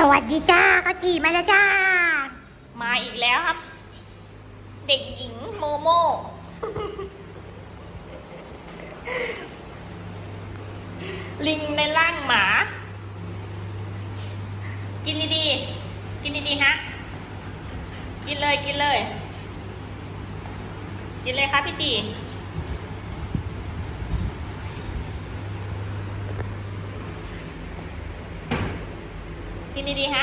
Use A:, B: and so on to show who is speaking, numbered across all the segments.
A: วัสดีจ้าข้าวจีมาแล้วจ้า
B: มาอีกแล้วครับ เด็กหญิงโมโม ลิงในร่างหมา กินดีๆกินดีๆฮะกินเลยกินเลยกินเลยครับพี่ตีกินดีๆฮะ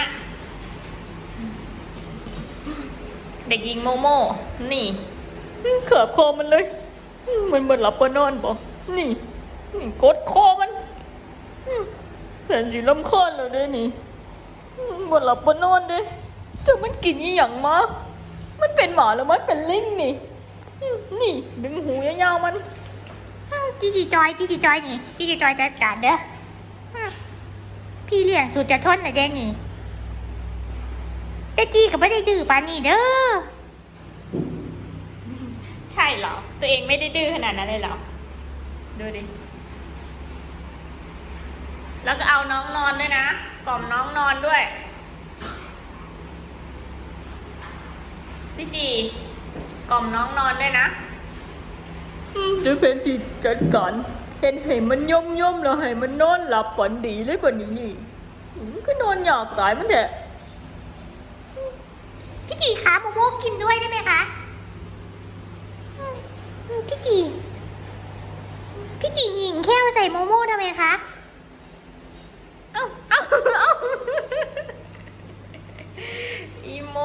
B: เด็กหญิงโมโมนี่เขือบคอมันเลยมันเหมือนหลับปนอนบ่นี่กดคอมันแสนสีลำคอเลยเด้นี่เหมือนหลับปนอนเด้จะมันกินอีหยังมามันเป็นหมาแล้วมันเป็นลิงนี่นี่ดึงหูยาวๆมัน
A: จีจีจอยนี่จีจีจอยจัดการเด้อพี่เลี้ยงสุดจะทนเลยเด้นี่แต่จีก็ไม่ได้ดื้อปานนี้เด้อ
B: ใช่เหรอตัวเองไม่ได้ดื้อขนาดนั้นเลยเหรอดูดิแล้วก็เอาน้องนอนด้วยนะกล่อมน้องนอนด้วยพี่จีกล่อมน้องนอนด้วยนะจะเป็นสิจัดการเห็นให้มันย่มแล้วให้มันนอนหลับฝันดีเลยกว่านี้นี่ก็นอนอยากตายมันแหละ
A: พี่จีคะโมโมกินด้วยได้ไหมคะพี่จีหญิงแค่ใส่โมโมทำไมคะ
B: เอาอีโม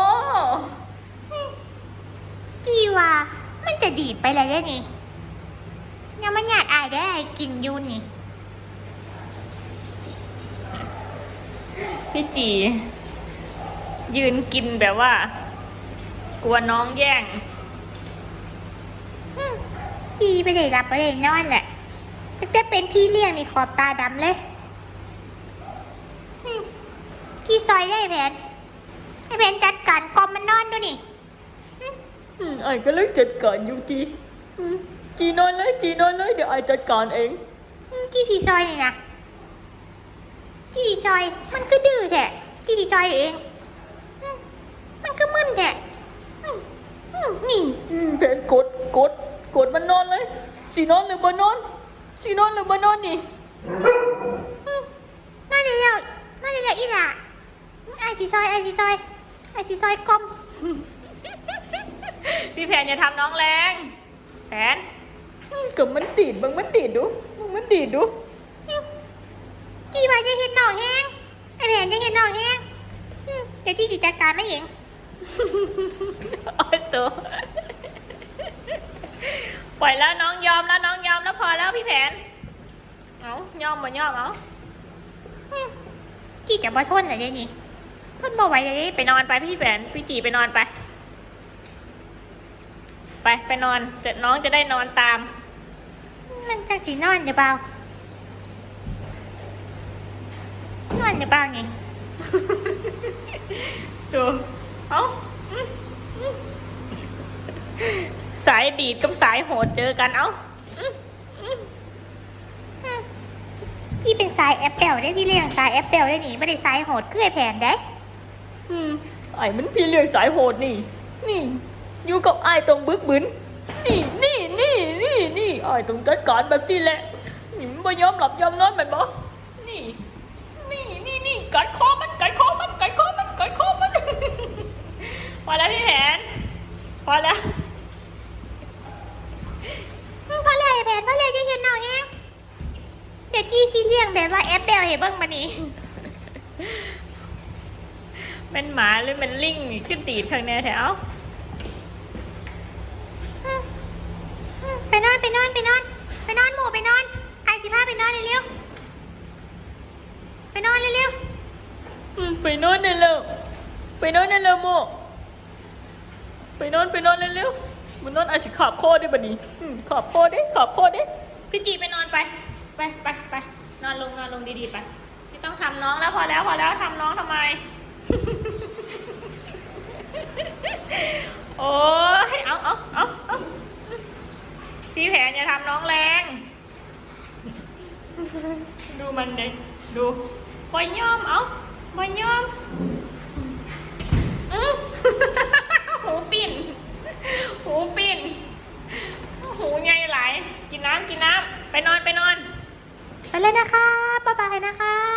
A: จีว่ามันจะดีดไปเลยได้นี่ยังไม่อยากอายได้กินยูนี่
B: พี่จียืนกินแบบว่ากลัวน้องแย่ง
A: จีไปเลยรับไปเลยนอนแหละตั้งแต่เป็นพี่เลี้ยงนี่ขอบตาดำเลยกี่ซอยได้แผนไอแผนจัดการกอมมันนอนดูนี่
B: ไอ้ก็เลยจัดการอยู่จีนอนเลยเดี๋ยวไอ้จัดการเอง
A: กี่สีซอยนี่นะกี่สีซอยมันก็ดื้อแท้กี่สีซอยเองมันก็มึนแท้นี่
B: แผนกดมันนอนเลยสีนอนหรือบ่นอนนี่
A: นอนเลยอีหล่ะไอสีซอยกอม
B: พี่แผนอย่าทำน้องแรงแผนกับมันดีดดู
A: กี่ว่าจะเห็นหน่อแห้งไอแผนจะเห็นหน่อแห้งจะที่จัดการไม่เอง
B: โอ้ยสูปล่อยแล้วน้องยอมแล้วพอแล้วพี่แผนเอายอมเอา
A: กี่จะมาทนอะไรนี่ทนบ่ไหวเลย
B: ไปนอนไปพี่แผนพี่จีไปนอนไปนอนน้องจะได้นอนตาม
A: มันจังสีนอนเดี๋ยวเบานอนเดี๋ยวเบาไง
B: สูเอาสายดีดกับสายโหดเจอกันเอา
A: กี่เป็นสายแอปเปิลได้พี่เลี้ยงสายแอปเปิลได้หนิไม่ได้สายโหดเกลื่อยแผ่นได้
B: ไอ้มันพี่เลี้ยงสายโหดนี่อยู่กับไอ้ตรงบึกบึนนี่ไอ้ตรงจัดการแบบนี้แหละนี่มันไม่ยอมหลับยอมนอนมันบ่นี่กัดคอมันพอแล้วพี่แผนพอแล้ว
A: พอเลยแผนพอเลยจะเห็นหน่อยแฮงเด็กกี้ซีเลี้ยงแบบว่าแอปเปิลเห็นบ้างมานี่
B: เป็นหมาหรือเป็นลิงนี่ขึ้นตีดข้างในแถว
A: ไปนอนหมู่ไปนอนไอจิพาไปนอนเร็วไปนอนเร็ว
B: ไปนอนได้แล้วโมไปนอนเร็วมันนอนอาจจะขับโคได้บัดนี้ขับโคได้พี่จีไปนอนไปนอนลงดีๆไปไม่ต้องทำน้องแล้วพอแล้วทำน้องทำไม โอ้ยเอาพี่แผนอย่าทำน้องแรงดูมันเลยดูปล่อยยอมกินน้ำไปนอน
A: ไปเลยนะคะบ๊ายบายนะคะ